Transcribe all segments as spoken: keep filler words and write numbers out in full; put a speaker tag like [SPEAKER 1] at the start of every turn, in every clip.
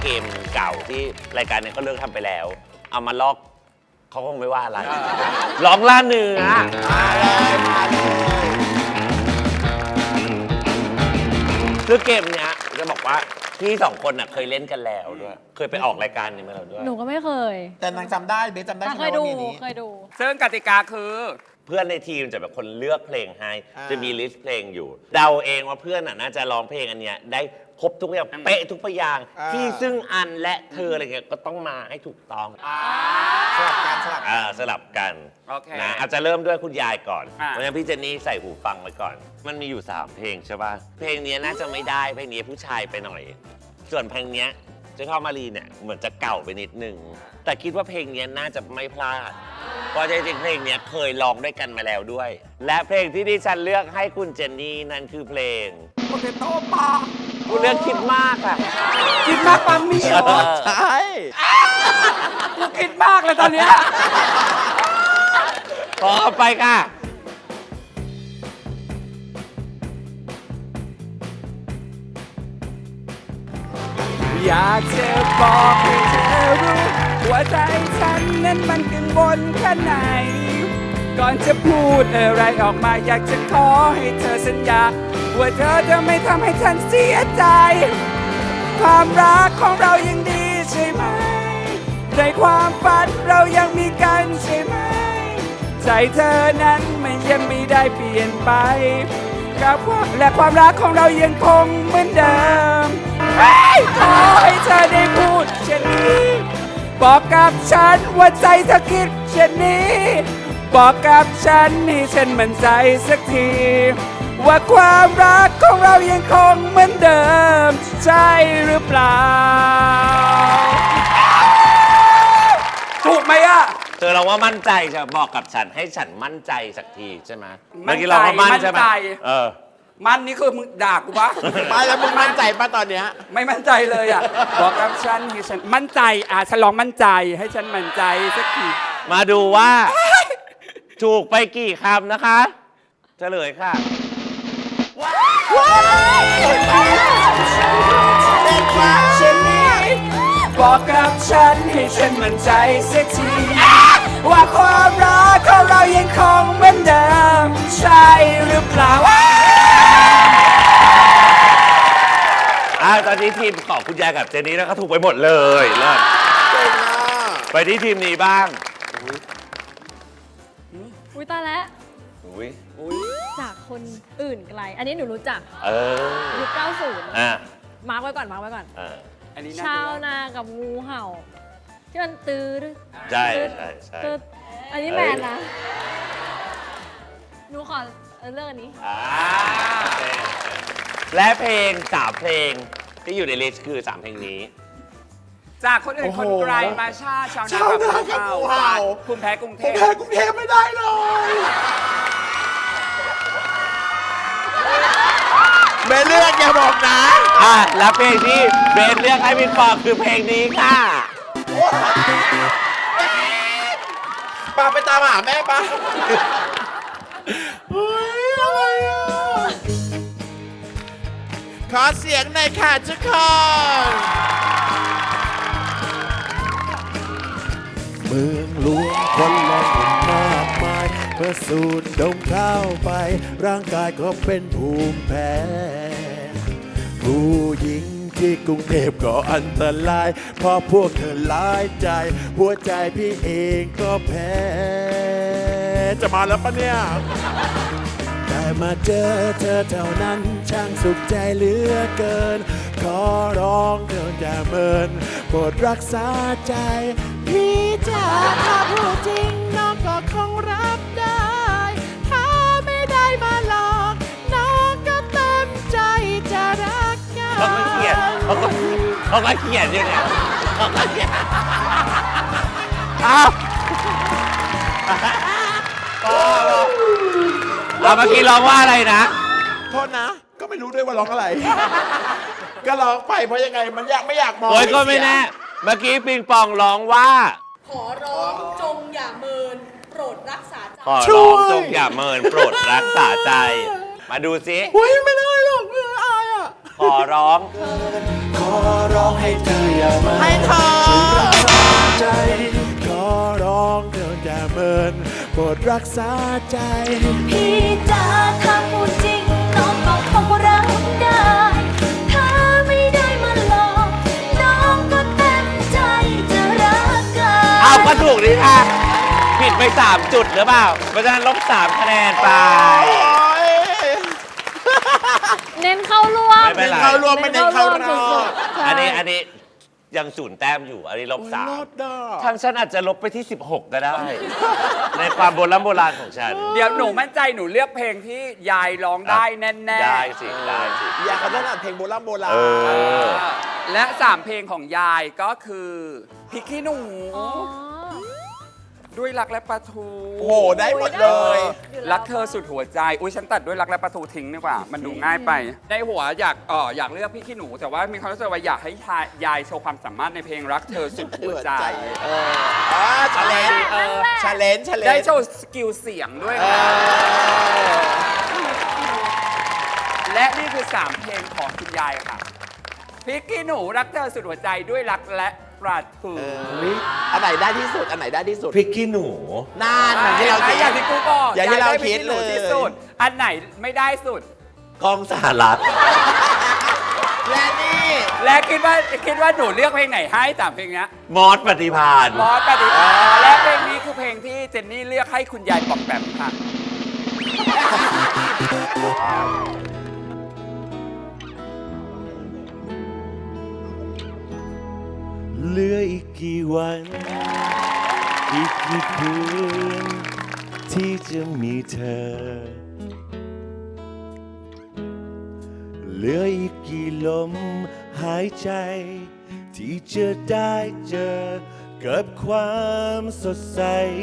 [SPEAKER 1] มเก่าที่รายการนี้ก็เลิกทำไปแล้วเอามาลอกเขาคงไม่ว่าอะไรร้องล่าเนื้อคือเกมเนี้ยจะบอกว่าพี่สองคนน่ะเคยเล่นกันแล้วด้วยเคยไปออกรายการนี้มาแล้วด้วย
[SPEAKER 2] หนูก็ไม่เคย
[SPEAKER 3] แต่นางจำได้เบสจำได้ใช่ไหม
[SPEAKER 2] เคย
[SPEAKER 3] ว่า
[SPEAKER 2] ดู
[SPEAKER 3] มีนี้
[SPEAKER 2] เคยดู
[SPEAKER 4] ซึ่งกติกาคือ
[SPEAKER 1] เพื่อนในทีมจะเป็นคนเลือกเพลงให้จะมีลิสต์เพลงอยู่เดาเองว่าเพื่อนน่ะน่าจะร้องเพลงอันเนี้ยได้ครบทุกอย่างเป๊ะทุกพยางค์ที่ซึ่งอันและเธออะไรเงี้ยก็ต้องมาให้ถูกต้อง
[SPEAKER 3] สลับกันสลับ
[SPEAKER 1] อ่าสลับกัน
[SPEAKER 4] โอเค
[SPEAKER 1] นะอาจจะเริ่มด้วยคุณยายก่อน
[SPEAKER 4] อ่ะ
[SPEAKER 1] เพราะฉะนั้นพี่เจนนี่ใส่หูฟังไว้ก่อน มันมีอยู่สามเพลงใช่ป่ะเพลงนี้น่าจะไม่ได้เพลงนี้ผู้ชายไปหน่อย ส่วนเพลงนี้เจ้าข้าวมารีเนี่ยเหมือนจะเก่าไปนิดนึงแต่คิดว่าเพลงนี้น่าจะไม่พลาดเพราะจริงๆเพลงนี้เคยร้องด้วยกันมาแล้วด้วย และเพลงที่ดิฉันเลือกให้คุณเจนนี่นั่นคือเพลง
[SPEAKER 4] โปเตโต้ปลา
[SPEAKER 1] คุณเลือกคิดมากอ่ะ
[SPEAKER 4] คิดมากปามีเหรอ
[SPEAKER 3] ใช่
[SPEAKER 4] กูคิดมากเลยตอนเนี้ย
[SPEAKER 1] ขอไปค่ะ
[SPEAKER 4] อยากจะบอกให้เธอรู้หัวใจฉันนั้นมันกังวลแค่ไหน ก่อนจะพูดอะไรออกมาอยากจะขอให้เธอสัญญาว่าเธอจะไม่ทำให้ฉันเสียใจ ความรักของเรายังดีใช่ไหมในความฝันเรายังมีกันใช่ไหมใจเธอนั้นมันยังไม่ได้เปลี่ยนไปกับความและความรักของเรายังคงเหมือนเดิมขอให้เธอได้พูดเช่นนี้บอกกับฉันว่าใจเธอคิดเช่นนี้บอกกับฉันให้ฉันมั่นใจสักทีว่าความรักของเรายังคงเหมือนเดิมใช่หรือเปล่าถูกไหมอ่ะ
[SPEAKER 1] เธอเราว่ามั่นใจจะบอกกับฉันให้ฉันมั่นใจสักทีใช่ไหมเมื่อกี้เราก็มั่นใช่ไหม
[SPEAKER 4] มั่นใจ
[SPEAKER 1] เออ
[SPEAKER 4] มันนี่คือมึงด่ากูปะ
[SPEAKER 3] ไม่แล้วมึงมั่นใจป่ะตอนเนี้ย
[SPEAKER 4] ไม่มั่นใจเลยอ่ะ บอกกับฉันให้ฉันมั่นใจอ่ะฉันลองมั่นใจให้ฉันมั่นใจสักที
[SPEAKER 1] มาดูว่าถูกไปกี่คำนะคะเฉลยค่ะ
[SPEAKER 4] ฉันนี่บอกกับฉันให้ฉันมั่นใจสักทีว่าความรักของเรายังคงเหมือนเดิมใช่หรือเปล่า
[SPEAKER 1] อ่าตอนนี้ทีมของคุณยายกับเจนนี่นะครับถูกไปหมดเลยเลิศ
[SPEAKER 3] เก่งอ่ะ
[SPEAKER 1] ไปที่ทีมนี้บ้าง
[SPEAKER 2] อุ้ยตายแล้ว
[SPEAKER 1] อุ้ย
[SPEAKER 2] จากคนอื่นไกล อันนี้หนูรู้จัก
[SPEAKER 1] เออ
[SPEAKER 2] ยุคเก้าสิบ
[SPEAKER 1] อ่ะ
[SPEAKER 2] มาร์กไว้ก่อน มาร์กไว้ก่อน
[SPEAKER 1] อ่ะ
[SPEAKER 4] อันนี้น่า
[SPEAKER 2] ชาว
[SPEAKER 4] จะ
[SPEAKER 2] นากับงูเห่า ที่มันตื้อ
[SPEAKER 1] ใช่ใช่ใช่
[SPEAKER 2] ตื้ออันนี้แมนนะ หนูขอเลือกอันนี้
[SPEAKER 1] อ่าโอเคและเพลงสามเพลงที่อยู่ในลิสต์คือสามเพลงนี้
[SPEAKER 4] จากคนอื่นคนไกลมาชาชาวนากับงูเห่าคุณแพ้กรุงเท
[SPEAKER 3] ผม
[SPEAKER 4] พ
[SPEAKER 3] แพ้กรุงเทพไม่ได้เลย เบสเลือกอย่าบอกนะ
[SPEAKER 1] อ่ะและเพลงที่เบนเลือกให้พี่ปอคือเพลงนี้ค่ะ
[SPEAKER 3] ปาไปตามหาแม่ปะเฮ้ยอะไรอ่ะขอเสียงหน่อยค่ะทุกคนเมืองหลวงคนแล่นมากมายเมื่อสูดดมเข้าไปร่างกายก็เป็นภูมิแพ้ผู้หญิงที่กรุงเทพก็อันตรายเพราะพวกเธอหลายใจหัวใจพี่เองก็แพ้จะมาแล้วปะเนี่ยแต่มาเจอเธอเท่านั้นช่างสุขใจเหลือเกินขอร้องเธออย่าเมินโปรดรักษาใจพี่จ๋าถ้าพูดจริงน้องก็คงรับได้ถ้าไม่ได้มาหลอกน้องก็เต็มใจจะรักกัน
[SPEAKER 1] เขาก็เขียนเขาก็เขาก็เขียนอย่างเงี้ยเขาก็เขียนอ้าวก็เราเมื่อกี้ร้องว่าอะไรนะ
[SPEAKER 3] โทษนะ ก็ไม่รู้ด้วยว่าร้องอะไร ก็ร้องไปเพราะยังไงมันอยากไม่อยากมอง
[SPEAKER 1] โอ้ยก็ไม่แน่ เมื่อกี้ปิงปองร้องว่า
[SPEAKER 5] ขอร้องจงอย่าเมินโปรดรักษาใจ
[SPEAKER 1] ขอร้องจงอย่าเมินโปรดรักษาใจ มาดูซิ
[SPEAKER 3] เฮ้ยไม่ได้หรอกเอออายอ่ะ
[SPEAKER 1] ขอร้อง
[SPEAKER 3] ขอร้องให้เธออย่ามา
[SPEAKER 6] ให้เธอ
[SPEAKER 3] ใจขอร้องเธออย่าเมินโปรดรักษาใจ
[SPEAKER 7] พี่จ๋าถ้าพูดจริงน้องก็คงรับได้ถ้าไม่ได้มาหลอกน้องก็เต็มใจจะรักกัน
[SPEAKER 1] เอาก็ถูกดีค่ะ ผิดไปสามจุดหรือเปล่า เพราะฉะนั้นลบสามคะแนนไป
[SPEAKER 2] เน้นเข้าร่วม
[SPEAKER 1] ไม่เป็นไร
[SPEAKER 6] เข้ารวมไม่ได้เข้าร
[SPEAKER 2] สุ
[SPEAKER 6] อบ
[SPEAKER 2] ดๆใช่
[SPEAKER 1] อันนี้อันนี้ยังศูนย์แต้มอยู่ อันนี้ลบสาม
[SPEAKER 6] รอดดอก
[SPEAKER 1] ทางฉันอาจจะลบไปที่ สิบหก ก็ได้ ในความโบราณโบราณของฉัน
[SPEAKER 4] เดี๋ยวหนูมั่นใจหนูเลือกเพลงที่ยายร้องได้แน่ๆ
[SPEAKER 1] ได้สิ ได้สิ
[SPEAKER 6] อยากเขาถนัดเพลงโบราณโบราณ
[SPEAKER 1] เออ
[SPEAKER 4] และสามเพลงของยายก็คือพริกขี้หนู
[SPEAKER 2] อ๋อ
[SPEAKER 4] ด้วยรักและปลาทู
[SPEAKER 6] โอ้โห ได้หมดเลย
[SPEAKER 4] รักเธอสุดหัวใจ อุ้ยฉันตัดด้วยรักและปลาทูทิ้งดีกว่า มันดูง่ายไป ในหัวอยากเอออยากเลือกพี่ขี้หนู แต่ว่ามีความรู้สึกว่าอยากให้ยายโชว์ความสามารถในเพลงรักเธอสุดหัวใจ
[SPEAKER 6] เอออ่าชาเลนจ์
[SPEAKER 4] เออ
[SPEAKER 6] ชาเลนจ์ชาเลนจ์
[SPEAKER 4] ได้โชว์สกิลเสียงด้วย
[SPEAKER 6] เอ
[SPEAKER 4] นะ
[SPEAKER 6] อ
[SPEAKER 4] และนี่คือสามเพลงของคุณยายค่ะพริกขี้หนูรักเธอสุดหัวใจด้วยรักและปลาทู
[SPEAKER 6] อันไหนได้ที่สุด อันไหนได้ที่สุด
[SPEAKER 1] พริกขี้หนู
[SPEAKER 6] น่านอย่างที่เราคิด
[SPEAKER 4] อย่างที่กูบอก
[SPEAKER 6] อย่างที่เรา
[SPEAKER 4] ได้พ
[SPEAKER 6] คิ
[SPEAKER 4] ริ
[SPEAKER 6] ด
[SPEAKER 4] กขี้หนู
[SPEAKER 6] เลย
[SPEAKER 4] ที่สุด อันไหนไม่ได้สุด
[SPEAKER 1] กล้องสหรัฐ
[SPEAKER 6] และนี่
[SPEAKER 4] และคิดว่าคิดว่าหนูเลือกเพลงไหนให้สามเพลงเนี้ย
[SPEAKER 1] มอสปฏิพาน
[SPEAKER 4] บอสปฏิภาณและเพลงนี้คือเพลงที่เจนนี่เลือกให้คุณยายปอกแปมค่ะ
[SPEAKER 3] เหลืออีกกี่วัน อีกกี่คืนที่จะมีเธอ เหลืออีกกี่ลมหายใจ ที่จะได้เจอกับความสดใส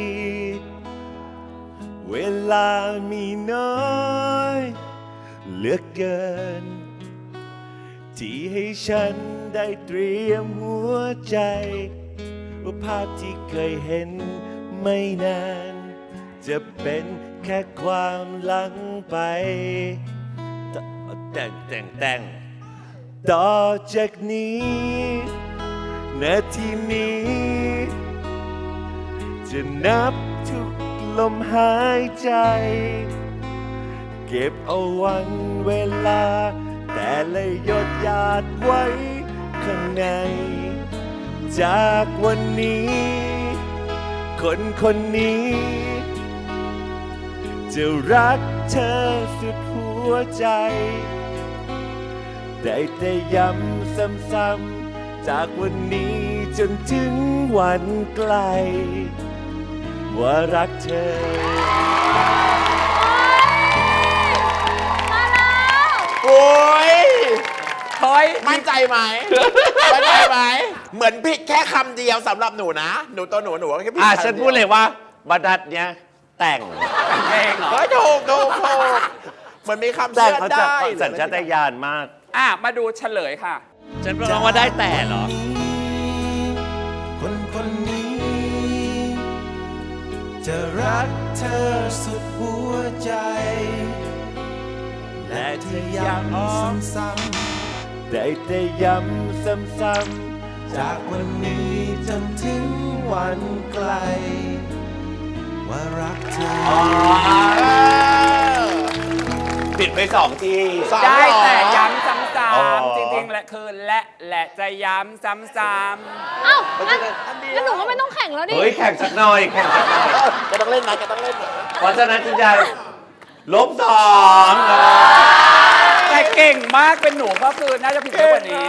[SPEAKER 3] เวลามีน้อยเหลือเกิน ที่ให้ฉันได้เตรียมหัวใจ ว่าภาพที่เคยเห็นไม่นาน จะเป็นแค่ความหลังไปแต่งแต่งแต่งต่อจากนี้นาทีนี้ จะนับทุกลมหายใจ เก็บเอาวันเวลา แต่ละหยดหยาดไว้ข้างใน จากวันนี้ คนคนนี้ จะรักเธอสุดหัวใจ ได้แต่ย้ำซ้ำๆจากวันนี้จนถึงวันไกล ว่ารักเธอ
[SPEAKER 6] โอ้ย
[SPEAKER 4] เฮ้ย
[SPEAKER 6] มั่นใจไหม มั่นใจไหม เหมือนผิดแค่คำเดียวสำหรับหนูนะ หนูตัวหนูหนูแค่ผิด
[SPEAKER 1] อ่ะ
[SPEAKER 6] คำ
[SPEAKER 1] ฉันพูดเลยว่าบรรทัดเนี้ยแต่ง
[SPEAKER 4] เพลงเหรอ
[SPEAKER 6] เฮ้ยถูกถูกถูกเหมือนมีคำ
[SPEAKER 1] แต่
[SPEAKER 6] เชื่อ
[SPEAKER 1] เขา
[SPEAKER 6] ได้
[SPEAKER 1] จะสัญชาตญาณมาก
[SPEAKER 4] อ่ะ มาดูเฉลยค่ะ
[SPEAKER 1] ฉันร้องว่าได้แต่เหรอ
[SPEAKER 3] คนคนนี้ จะรักเธอสุดหัวใจ และที่ย้ำซ้ำๆได้แต่ย้ำซ้ำๆจากวันนี้จนถึงวันไกล ว่ารักเธอ
[SPEAKER 1] ผิดไปสองที
[SPEAKER 6] สาม
[SPEAKER 4] ได้
[SPEAKER 6] หรอ
[SPEAKER 4] แต่ย้ำซ้ำ
[SPEAKER 1] อ๋อ
[SPEAKER 4] ๆจริงๆ และคือและและจะย้ำซ้ำ
[SPEAKER 2] เอ้างั้นงั้นหนูก็ไม่ต้องแข่งแล้วดิ
[SPEAKER 1] เฮ้ย แข่งสักหน่อย แข่งสักหน่อย
[SPEAKER 6] แกต้องเล่นนะแกต้องเล่นนะ
[SPEAKER 1] เพราะฉะนั้นคุณยายลบสอง
[SPEAKER 4] ๆแต่เก่งมากเป็นหนูก็คือน่าจะผิดเยอะกว่านี้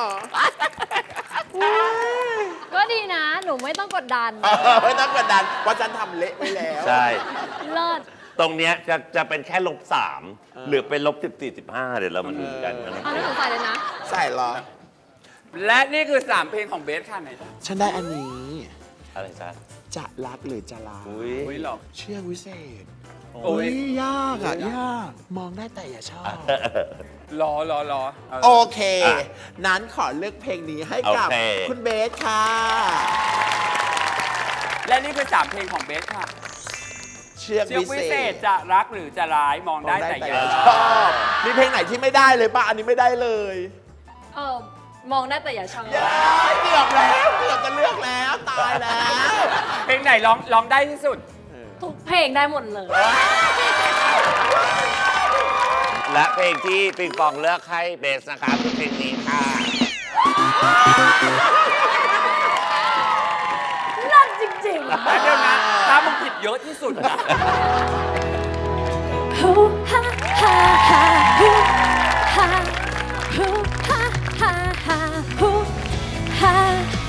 [SPEAKER 2] ก็ดีนะ หนูไม่ต้องกดดัน
[SPEAKER 6] เออไม่ต้องกดดันว่าะฉันทำเละไปแล้ว
[SPEAKER 1] ใช่
[SPEAKER 2] เลิศ
[SPEAKER 1] ตรงเนี้ยจะจะเป็นแค่ลบสามหรือเป็นลบสิบสี่สิบห้าเดี๋ยวเรามาดูกันนะ
[SPEAKER 2] เอาให้หนูใส่เลยนะ
[SPEAKER 6] ใส่เหรอ
[SPEAKER 4] และนี่คือสามเพลงของเบสค่ะไหน
[SPEAKER 6] ฉันได้อันนี้
[SPEAKER 1] อะไรจ๊ะ
[SPEAKER 6] จะรักหรือจะลา
[SPEAKER 1] อุ้ย
[SPEAKER 4] อุ้ยหรอก
[SPEAKER 6] เชื่อกวิเศษ
[SPEAKER 4] โอ้ย
[SPEAKER 6] ยากอ่ะยาก มองได้แต่อย่าชอบ
[SPEAKER 4] รอรอรอเออ
[SPEAKER 6] โอเค
[SPEAKER 1] อ่ะ
[SPEAKER 6] นั้นขอเลือกเพลงนี้ให้กับ
[SPEAKER 1] โอเค
[SPEAKER 6] คุณเบสค่ะ
[SPEAKER 4] และนี่คือสามเพลงของเบสค่ะ
[SPEAKER 6] เชือก
[SPEAKER 4] เชือก
[SPEAKER 6] วิ
[SPEAKER 4] วิ
[SPEAKER 6] เศ
[SPEAKER 4] เศ
[SPEAKER 6] ษ
[SPEAKER 4] ษจะรักหรือจะร้ายมอง
[SPEAKER 6] มอง
[SPEAKER 4] ได้
[SPEAKER 6] ได้
[SPEAKER 4] แต่
[SPEAKER 6] แต่
[SPEAKER 4] อ
[SPEAKER 6] อย่า
[SPEAKER 4] ย่า
[SPEAKER 6] ชอบ มีเพลงไหนที่ไม่ได้เลยป่ะ อันนี้ไม่ได้เลย
[SPEAKER 2] เออมองได้แต่อย่าชอบ
[SPEAKER 6] เกือบแล้วเกือบจะเลือกแล้วตายแล้ว
[SPEAKER 4] เพลงไหนร้องร้องได้ที่สุด
[SPEAKER 2] ทุกเพลงได้หมดเลย
[SPEAKER 1] และเพลงที่ปิงปองเลือกให้เบสนะคะคือเพลงนี้ค่ะ
[SPEAKER 2] นั่นจริง
[SPEAKER 4] แล้วเดี๋ยวนะถ้ามึงผิดเยอะที่สุดนะ
[SPEAKER 7] ฮูฮ่าฮ่าฮ่าฮูฮ่าฮูฮ่าฮ่าฮ่าฮูฮ่า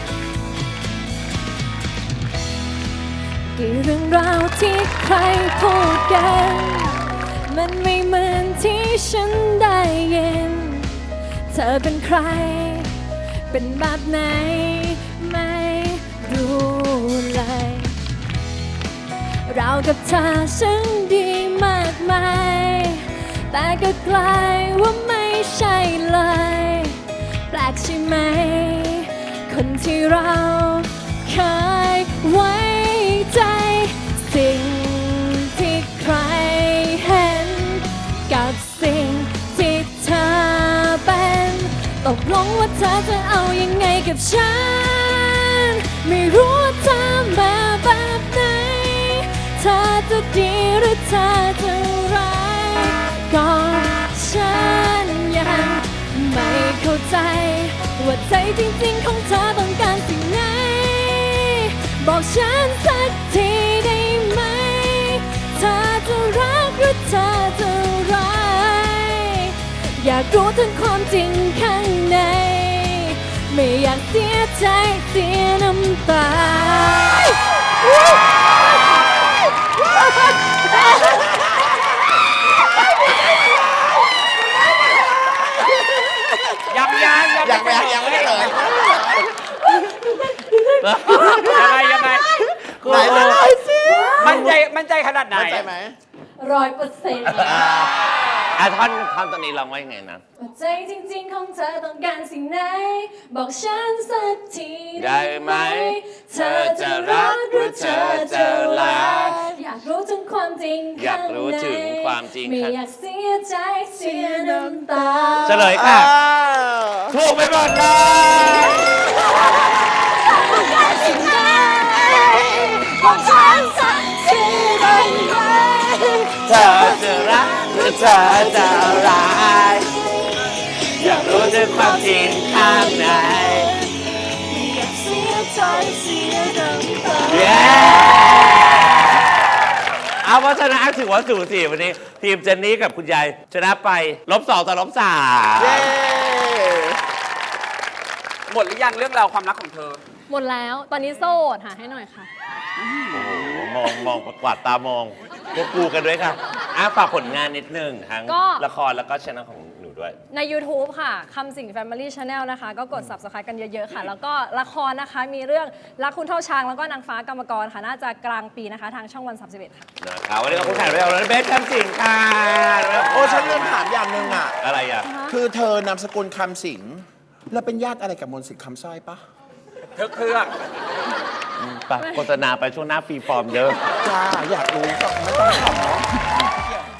[SPEAKER 7] กี่เรื่องราวที่ใครพูดกัน มันไม่เหมือนที่ฉันได้ยิน เธอเป็นใคร เป็นแบบไหน ไม่รู้เลย เรากับเธอฉันดีมากมาย แต่ก็กลายว่าไม่ใช่เลย แปลกใช่ไหม คนที่เราเคยไว้ใจ สิ่งที่ใครเห็น กับสิ่งที่เธอเป็น ตกลงว่าเธอจะเอายังไงกับฉัน ไม่รู้ว่าเธอมาแบบไหน เธอจะดีหรือเธอจะร้ายก็ฉันยังไม่เข้าใจ ว่าใจจริงๆของเธอต้องการสิ่งไหน บอกฉันสักทีได้ไหม เธอจะรักหรือเธอจะร้ายอยากรู้ถึงความจริงข้างใน ไม่อยากเสียใจเสียน้ำตา
[SPEAKER 4] ยังยัง
[SPEAKER 6] ยังไม่ยังไม่ได้เลย
[SPEAKER 4] ยังไงยังไง
[SPEAKER 6] ไหนเลยสิ
[SPEAKER 4] มั่นใจมั่นใจขนาดไหน
[SPEAKER 6] มั่นใจไหม
[SPEAKER 2] ร้อยเปอร์เซ็นต์
[SPEAKER 1] อ่ะท่อนท่อนตอนนี้ร้องว่ายังไงนะ
[SPEAKER 7] ว่าใจจริงๆของเธอต้องการสิ่งไหน บอกฉันสักที
[SPEAKER 1] ได้ไหม เธอจะรักหรือเธอจะลา
[SPEAKER 7] อยากรู้ถึงความจริง
[SPEAKER 1] อยากรู้ถึงความจริง
[SPEAKER 7] ไม่
[SPEAKER 1] ค่ะ
[SPEAKER 7] อยากเสียใจเสียน้ำตา
[SPEAKER 1] เฉลยค่ะ ถูกไปหมดเลย
[SPEAKER 7] บอกฉันสักทีได้ไหม
[SPEAKER 1] เธอจะรักหรือเธอจะร้ายอยากรู้ถึงความจริงข้างใน
[SPEAKER 7] อยากเสียใจเสียน้ำตา
[SPEAKER 1] เย้เอาเพราะฉะนั้นถือว่าสูสีวันนี้ ทีมเจนนี่กับคุณยายชนะไปลบสองต่อลบสาม
[SPEAKER 6] เย้
[SPEAKER 4] หมดหรือยังเรื่องราวความรักของเธอ
[SPEAKER 2] หมดแล้ว ตอนนี้โสดหาให้หน่อยค่ะ
[SPEAKER 1] โอ้โหมองมองกวาดตามองพวกกูกันด้วยค่ะอ่ะฝากผลงานนิดนึงทั้ง
[SPEAKER 2] ก็
[SPEAKER 1] ละครแล้วก็ช่องของหนูด้วย
[SPEAKER 2] ใน YouTube ค่ะคำสิง Family Channel นะคะ ก็กด Subscribe กันเยอะ ๆ ค่ะ แล้วก็ละครนะคะมีเรื่องรักคุณเท่าช้างแล้วก็นางฟ้ากรรมกรค่ะ น่าจะกลางปีนะคะ ทางช่องวัน สามสิบเอ็ด ค่ะ
[SPEAKER 1] นะครับวันนี้ก็คุณถ่ายไปแล้วนะเบสคำสิงค่ะ
[SPEAKER 6] โอ้ฉันลืมถามอย่างหนึ่งอ่ะ
[SPEAKER 1] อะไรอ่ะ
[SPEAKER 6] คือเธอนามสกุลคำสิงห์แล้วเป็นญาติอะไรกับมนต์สิทธิ์คำสร้อยปะ
[SPEAKER 4] เธอเครื่อง
[SPEAKER 1] ไปโฆษณาไปช่วงหน้าฟรีฟอร์มเยอะ
[SPEAKER 6] จ้าอยากรู้ก็ไม่ต้องถามเนาะ